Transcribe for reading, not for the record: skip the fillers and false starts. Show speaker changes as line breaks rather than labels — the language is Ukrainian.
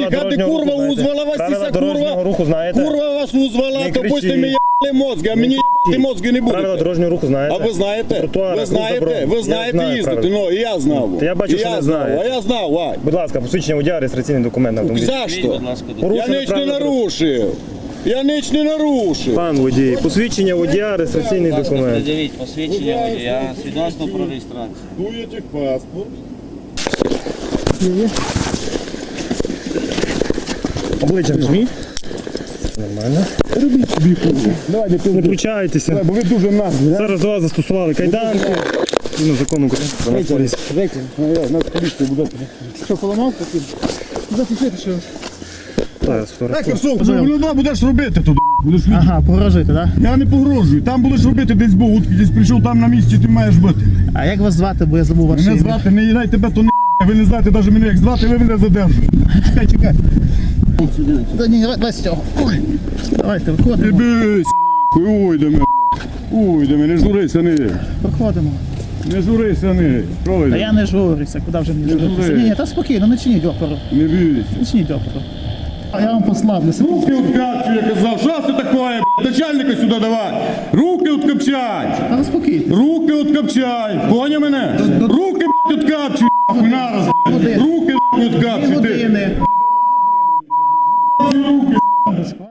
їхати, курва, узвала вас ця курва.
Руху знаєте?
Курва вас узвала,
Не
то пусть
кричіть.
мені їбали мозги, а мені їбати мозги не
Правила
будете.
дорожнього руху знаєте?
А ви знаєте?
Тротуари,
Ви знаєте?
рух заборонений.
Ви
Я
знаєте
знаю
їздити?
правила.
Ну, і я знав.
Та я бачу,
І
що не
знав,
знаєте.
А я знав, Вань.
Будь ласка, посвідчення водія, реєстраційний документ на автомобіль.
За що? Я
Порушили
ніч не
правила дорожнього.
нарушив. Я ніч не нарушив.
Пан водій, посвідчення водія, реєстраційний документ.
Пред'явіть посвідчення водія, свідоцтво про реєстрацію.
Дуєте паспорт.
Обличчя вжміть. Нормально.
Робіть собі курва. Давайте
Не включайтеся.
бо ви дуже наглі.
Зараз до вас застосували кайданки. Згідно закону України про нас поліцію.
Нас поліція буде. Що, поламав таким? Зафіксуйте, що...
Зараз фотографую.
Що будеш робити туди? Будеш від...
Ага, погрожуєте, так?
Я не погрожую. Там будеш робити десь був, десь прийшов там на місці, ти маєш бути.
А як вас звати, бо я забув ваше
Мене
ім'я?
звати, не їдай тебе, то не ви не знаєте навіть мене як звати, ви мене задержуєте. Чекай, чекай.
Та ні, давай з цього. Ой. Давайте,
Не
виходимо.
бійся, ой, до мене, ой, до мене, не журися, не.
Проходимо.
Не журися, не.
Та я
Правильно?
не журюся, куди вже мені журитися?
журись.
Ні, ні, та спокійно, не чиніть опору.
Не бійся.
Не чиніть опору. А я вам послаблюся.
Руки откапчу, я казав, що це таке, блядь? Начальника сюди давай. Руки откапчай.
Та заспокійте.
Руки откапчай. Поняв мене? Руки, блядь, откапчуй, нахуй, нараз, блядь.
Години.
Руки, блядь,
Дві
откапчуй, ти.
години.